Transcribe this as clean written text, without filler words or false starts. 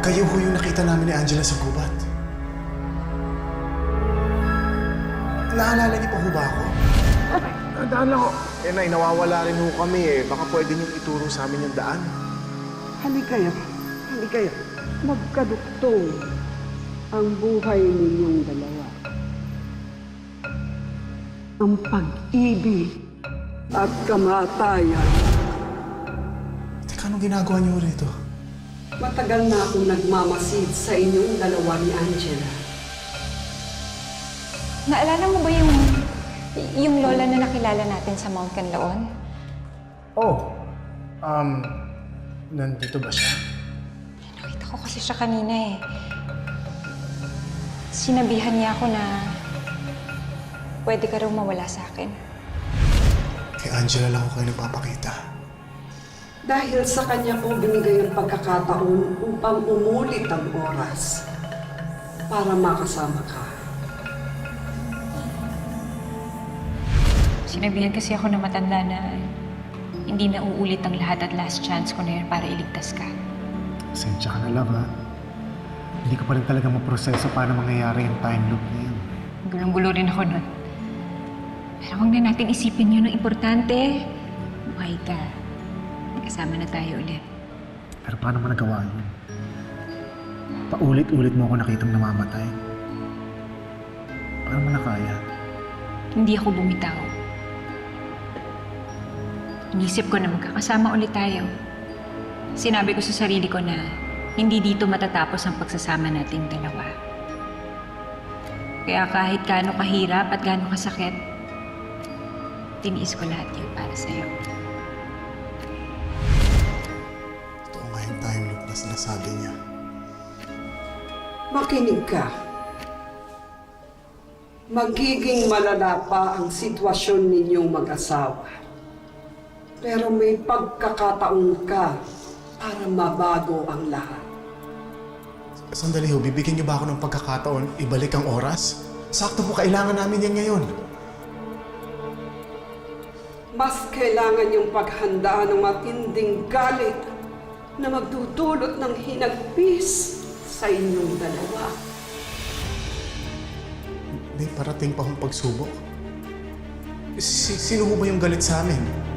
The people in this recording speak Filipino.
Kayo ho yung nakita namin ni Angela sa gubat. Naalala niyo pa ho ba ako? Daan lang ako. Eh, Nay, nawawala rin ho kami eh. Baka pwede niyong ituro sa amin yung daan. Halikayo. Magkaduktong ang buhay ninyong dalawa. Ang pag-ibig at kamatayan. Teka, anong ginagawa niyo rito? Matagal na akong nagmamasid sa inyong dalawa ni Angela. Naalala mo ba yung lola na nakilala natin sa Mount Canlaon? Oh, nandito ba siya? Nakita ko kasi siya kanina eh. Sinabihan niya ako na pwede ka raw mawala sa akin. Kay Angela lang ako kayo nagpapakita. Dahil sa kanya ko binigay ang pagkakataon upang umulit ang oras para makasama ka. Sinabihan kasi ako na matanda na hindi na uulit ang lahat at last chance ko na yun para iligtas ka. Pasensya ka na, love, ha? Hindi ko pa rin talaga maproseso paano mangyayari yung time loop na yun. Gulong-gulo rin ako nun. Pero huwag na natin isipin yun ang importante. Buhay ka. Kasama na tayo ulit. Pero paano mo nagawa yun? Paulit-ulit mo ako nakitang namamatay. Paano mo nakaya? Hindi ako bumitaw. Inisip ko na magkakasama ulit tayo. Sinabi ko sa sarili ko na hindi dito matatapos ang pagsasama nating dalawa. Kaya kahit gaano kahirap at gaano kasakit, tiniis ko lahat yun para sa'yo. Totoo nga yung time loop na sinasabi niya. Makinig ka. Magiging malala pa ang sitwasyon ninyong mag-asawa. Pero may pagkakataon ka para mabago ang lahat. Sandali ho, bibigyan niyo ba ako ng pagkakataon ibalik ang oras? Sakto po, kailangan namin yan ngayon. Mas kailangan yung paghanda ng matinding galit na magdudulot ng hinagpis sa inyong dalawa. May parating pa akong pagsubok. Sino ho ba yung galit sa amin?